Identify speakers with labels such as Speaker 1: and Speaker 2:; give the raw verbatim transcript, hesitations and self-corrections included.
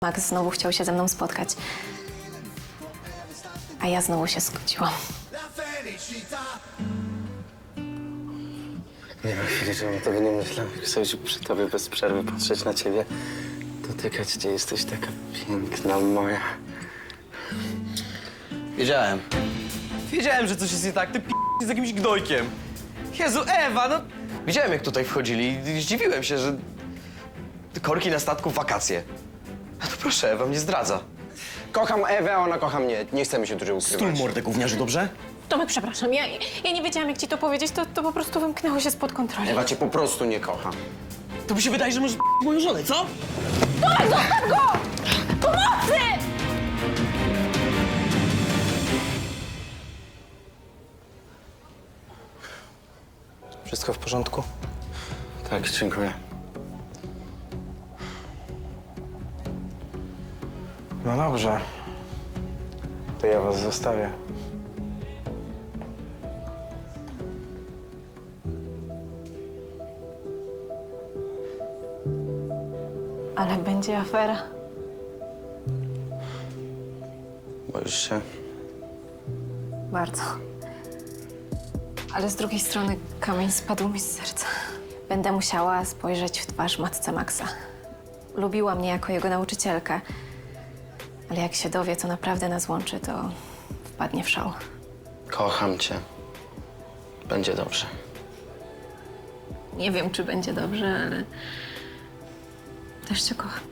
Speaker 1: Max znowu chciał się ze mną spotkać. A ja znowu się zgodziłam.
Speaker 2: Nie ma chwili, żebym o tobie nie myślał. Jak sobie przy tobie bez przerwy patrzeć na ciebie, dotykać cię, jesteś taka piękna moja.
Speaker 3: Wiedziałem. Wiedziałem, że coś jest nie tak. Ty p*** z jakimś gnojkiem. Jezu, Ewa, no... Widziałem, jak tutaj wchodzili i zdziwiłem się, że... Korki na statku w wakacje. A to proszę, Ewa mnie zdradza.
Speaker 2: Kocham Ewę, a ona kocha mnie. Nie chcemy się dłużej ukrywać.
Speaker 3: Stul mordę, gówniarzu, dobrze?
Speaker 1: Tomek, przepraszam, ja, ja nie wiedziałam, jak ci to powiedzieć, to, to po prostu wymknęło się spod kontroli.
Speaker 2: Ewa cię po prostu nie kocha.
Speaker 3: To mi się wydaje, że możesz p*** moją żonę, co?
Speaker 1: Tomek, zostaw go! Pomocy!
Speaker 2: Wszystko w porządku? Tak, dziękuję. No dobrze. To ja was zostawię.
Speaker 1: Ale będzie afera.
Speaker 2: Boisz się?
Speaker 1: Bardzo. Ale z drugiej strony kamień spadł mi z serca. Będę musiała spojrzeć w twarz matce Maxa. Lubiła mnie jako jego nauczycielkę. Ale jak się dowie, co naprawdę nas łączy, to wpadnie w szał.
Speaker 2: Kocham cię. Będzie dobrze.
Speaker 1: Nie wiem, czy będzie dobrze, ale też cię kocham.